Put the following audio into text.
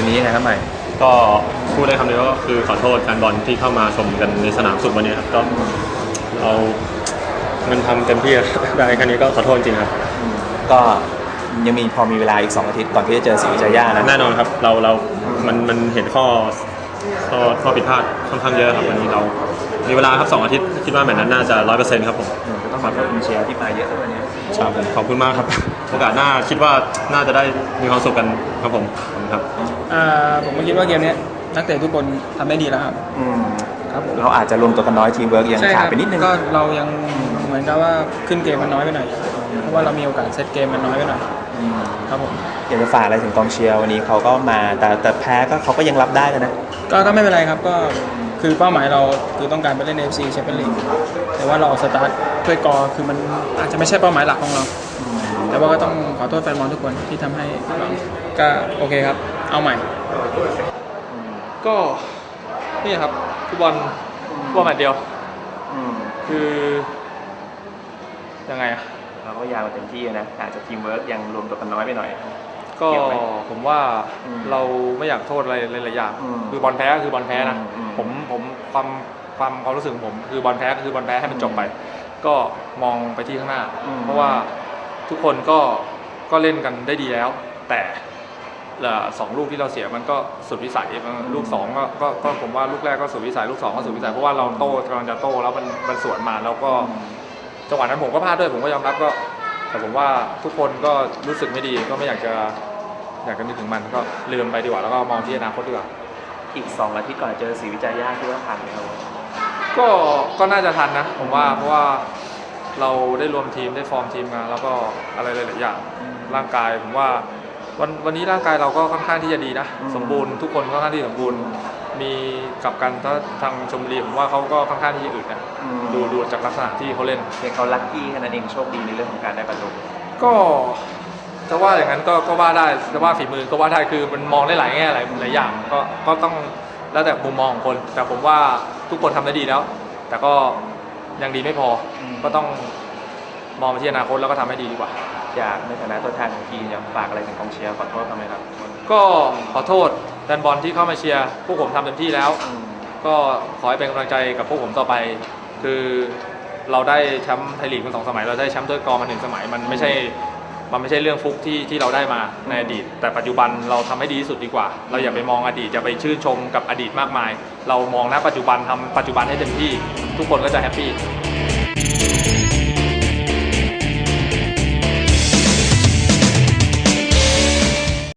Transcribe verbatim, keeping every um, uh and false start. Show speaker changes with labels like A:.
A: นี้ยังไงครับใหม่
B: ก็พูดได้คำเดียวก็คือขอโทษแฟนบอลที่เข้ามาชมกันในสนามสุดวันนี้ครับก็เราเงินทำเต็มที่ได้แค่นี้ก็ขอโทษจริงครับ
A: ก็ยังมีพอมีเวลาอีกสองอาทิตย์ก่อนที่จะเจอศรีวิจัยย่านะ
B: แน่นอนครับเราเรามันมันเห็นข้อข้อข้อผิดพลาดค่อนข้างเยอะครับวันนี้เรามีเวลาครับสองอาทิตย์คิดว่าแมตช์นั้นน่าจะร้อยเปอร์เซ็นต์ครับผม
A: ก็ต้องขอบคุณเชียร์ที่มาเยอะวันนี้
B: ครับผมขอบคุณมากครับโอกาสหน้าคิดว่าน่าจะได้มีความสุขกันครับผมครับ
C: อ่าผมก็คิดว่าเกมนี้นักเตะทุกคนทำได้ดีแล้วครับ
A: อืมครับเราอาจจะรวมตัวกันน้อยทีมเวิร์กยังขาดไปนิดนึง
C: ก็เรายังเหมือนกับว่าขึ้นเกมมันน้อยไปหน่อยเพราะว่าเรามีโอกาสเซตเกมมันน้อยไปหน่อยครับผม
A: อยากจะฝากอะไรถึงกองเชียร์วันนี้เขาก็มาแต่แต่แพ้ก็เขาก็ยังรับได้กันนะ
C: ก็ก็ไม่เป็นไรครับก็คือเป้าหมายเราคือต้องการไปเล่น เอ เอฟ ซี แชมเปี้ยนลีกแต่ว่าเราสตาร์ทด้วยกอคือมันอาจจะไม่ใช่เป้าหมายหลักของเราแต่ว่าก็ต้องขอโทษแฟนบอลทุกคนที่ทำให้ก็โอเคครับเอาใหม่
D: ก็นี่ครับฟุตบอลฟุตบอลแมตช์เดียวคือยังไงอะ
A: เราก็ยาวเต็มที่นะอาจจะทีมเวิร์กยังรวมตัวกันน้อยไปหน่อย
D: ก็ผมว่าเราไม่อยากโทษอะไรหลายอย่างคือบอลแพ้ก็คือบอลแพ้นะผมผมความความความรู้สึกของผมคือบอลแพ้ก็คือบอลแพ้ให้มันจบไปก็มองไปที่ข้างหน้าเพราะว่าทุกคนก็ก็เล่นกันได้ดีแล้วแต่สองลูกที่เราเสียมันก็สุดวิสัยลูกสองก็ก็ก็ผมว่าลูกแรกก็สุดวิสัยลูกสองก็สุดวิสัยเพราะว่าเราโต้กำลังจะโต้แล้วมันมันสวนมาแล้วก็จังหวะนั้นผมก็พลาดด้วยผมก็ยอมรับก็แต่ผมว่าทุกคนก็รู้สึกไม่ดีก็ไม่อยากจะอยากจะนึกถึงมันก็ลืมไปดีกว่าแล้วก็มองที่อนาคตดีกว่า
A: อีกสองอาทิตย์ก่อนเจอศรีวิจัยย่าคิดว่าทันไหมครับ
D: ก็ก็น่าจะทันนะผมว่าเพราะว่าเราได้รวมทีมได้ฟอร์มทีมมาแล้วก็อะไรหลายๆอย่างร่างกายผมว่าวันวันนี้ร่างกายเราก็ค่อนข้างที่จะดีนะสมบูรณ์ทุกคนค่อนข้างที่สมบูรณ์มีกับกันถ้าทางชมบุรีผมว่าเขาก็ค่อนข้างที่จะอึดนะดูดูจากลักษณะที่เขาเล่น
A: เพียงเขาลัคกี้แค่นั้นเองโชคดีในเรื่องของการได้ประตู
D: ก็จะว่าอย่างนั้นก็ก็ว่าได้จะว่าฝีมือก็ว่าได้คือมันมองได้หลายแง่หลายหลายอย่างก็ก็ต้องแล้วแต่มุมมองของคนแต่ผมว่าทุกคนทำได้ดีแล้วแต่ก็ยังดีไม่พอก็ต้องมองไปที่อนาคตแล้วก็ทำให้ดีดีกว่า
A: อยากในฐานะตัวแทนของทีมอยากฝากอะไรถึงกองเชียร์ขอโทษทำไมครับ
D: ก็ขอโทษแฟนบอลที่เข้ามาเชียร์พวกผมทำเต็มที่แล้วก็ขอให้เป็นกำลังใจกับพวกผมต่อไปคือเราได้แชมป์ไทยลีกมาสองสมัยเราได้แชมป์ถ้วยกอมาหนึ่งสมัยมันไม่ใช่มันไม่ใช่เรื่องฟุกที่ที่เราได้มาในอดีตแต่ปัจจุบันเราทำให้ดีที่สุดดีกว่าเราอย่าไปมองอดีตอย่าไปชื่นชมกับอดีตมากมายเรามองณปัจจุบันทำปัจจุบันให้เต็มที่ทุกคนก็จะแฮปปี้